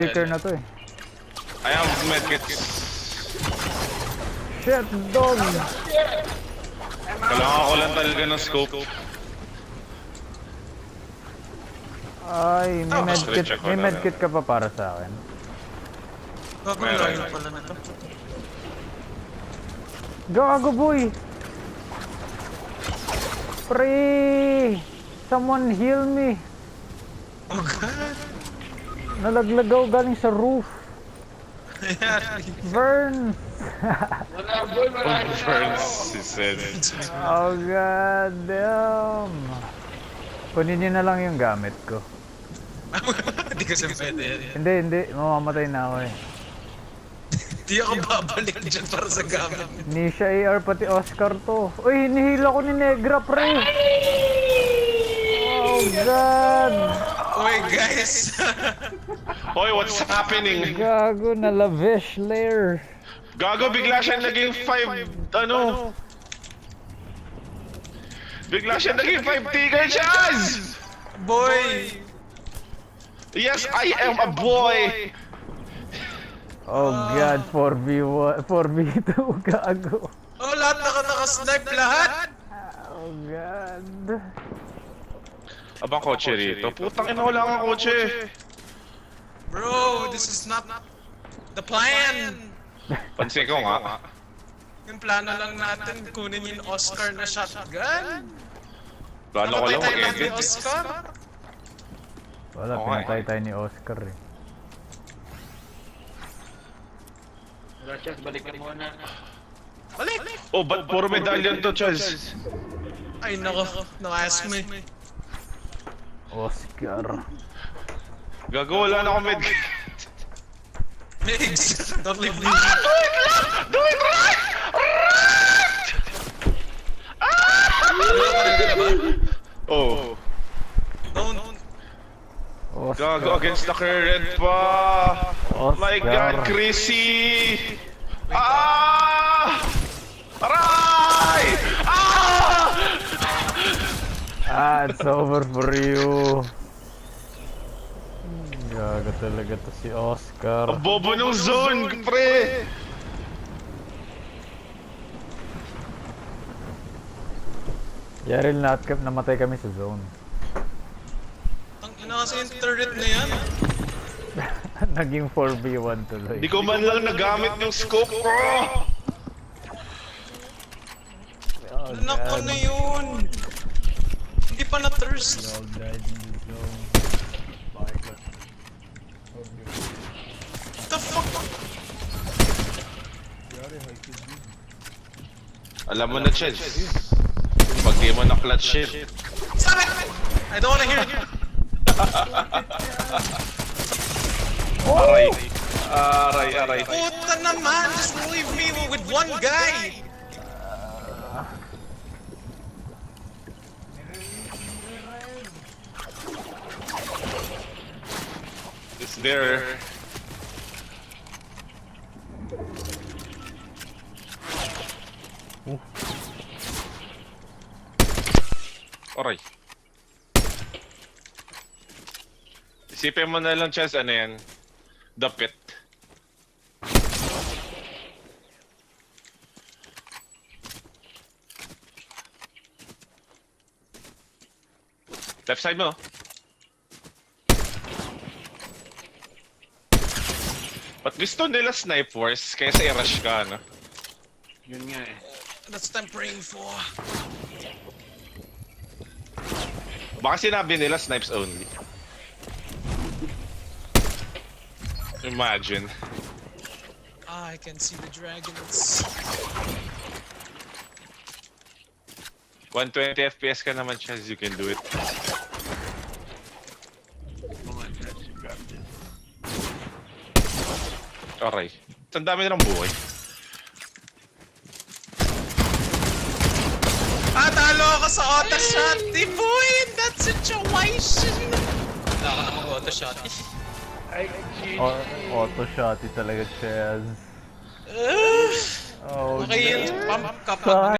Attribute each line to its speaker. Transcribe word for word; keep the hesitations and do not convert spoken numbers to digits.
Speaker 1: Sticker na to eh.
Speaker 2: I have medkits.
Speaker 1: Shit, dog!
Speaker 2: Kailangan ko lang talaga ng scope.
Speaker 1: Ay, may
Speaker 2: Oh,
Speaker 1: medkit,
Speaker 2: check ko
Speaker 1: may
Speaker 2: na
Speaker 1: medkit ka pa para sa akin.
Speaker 3: Gago
Speaker 2: Meron.
Speaker 3: layo pala na to.
Speaker 1: Gago boy! Pre! Someone heal me!
Speaker 3: Oh god!
Speaker 1: Nalaglagaw galing sa roof. Burn!
Speaker 2: Burns, he said.
Speaker 1: Oh god damn! Kunin niyo na lang yung gamit ko.
Speaker 3: Hindi kasi pwede yan.
Speaker 1: Hindi, hindi. Mamamatay na ako eh.
Speaker 3: Hindi ako babalik dyan para sa gamit.
Speaker 1: Nisha A R pati Oscar to. Uy, hinihila ko ni Negra pre! Oh god!
Speaker 3: Uy guys!
Speaker 2: Hoy, what's happening?
Speaker 1: Gago na lavish lair.
Speaker 2: Gago, bigla siya naging five, ano? Bigla siya naging five tiger chance!
Speaker 3: Boy!
Speaker 2: Yes, I am a boy!
Speaker 1: Oh god, four v one, four v two, gago.
Speaker 3: Oh, lahat naka naka-snipe lahat!
Speaker 1: Oh god.
Speaker 2: Abang kotse rito. Putang ina, wala kang kotse.
Speaker 3: Bro, this is not the plan!
Speaker 2: Pansin ko nga.
Speaker 3: Yung plano lang natin, kunin yung Oscar na shotgun.
Speaker 2: Plano ko lang
Speaker 3: Napatay tayo lang ni
Speaker 2: mag-edit.
Speaker 3: Oscar.
Speaker 1: Wala,
Speaker 2: Okay.
Speaker 1: pinatay tayo ni Oscar eh.
Speaker 4: Gracias, balikan mo na.
Speaker 3: Balik!
Speaker 2: Oh, ba't puro medallion to, Chaz?
Speaker 3: Ay nako, no-ask me.
Speaker 1: Oscar.
Speaker 2: Gago, wala na akong med...
Speaker 3: Migs! Don't leave me.
Speaker 2: Do it lang! Do it right! Right! Oh.
Speaker 3: Don't.
Speaker 1: Oscar.
Speaker 2: Gago, against the current pa! My God, Chrissy! Ah! Aray! Ah!
Speaker 1: Ah, it's over for you. Gago talaga to si Oscar.
Speaker 2: Ang bobo ng zone, pre!
Speaker 1: Yaril na at namatay kami sa zone.
Speaker 3: Ang ina kasi yung turret na yan.
Speaker 1: Naging four v one tuloy.
Speaker 2: Di ko man lang nagamit yung scope ko!
Speaker 1: Oh,
Speaker 3: Anak ko
Speaker 1: God.
Speaker 3: na yun. Hindi pa na-thirst.
Speaker 1: All died in the zone.
Speaker 3: What the fuck?
Speaker 2: Alam mo na, Chaz. Pag di mo na-clutch shit.
Speaker 3: Stop it! I don't wanna hear it.
Speaker 2: Aray. Aray, aray.
Speaker 3: Puta naman! Just leave me with one guy!
Speaker 2: It's there. Aray. Isipin mo na lang, Chaz, ano yan? The pit. Left side mo. Ba't gusto nila snipe wars kaysa i-rush ka, no?
Speaker 4: Yun nga eh.
Speaker 3: That's what I'm praying for.
Speaker 2: Baka sinabi nila snipes only. Imagine.
Speaker 3: Ah, I can see the dragons.
Speaker 2: one twenty F P S ka naman, Chaz, you can do it.
Speaker 4: Oh my God, you got this.
Speaker 2: Aray. Ang dami nilang buhay.
Speaker 3: Ah, talo ako sa auto shot! Di boy! In that situation! Wala ka na mag-auto shot.
Speaker 1: O auto shotty talaga, Chaz.
Speaker 3: Uh,
Speaker 1: Oh,
Speaker 3: okay yun. Pump ka pa.
Speaker 1: Sa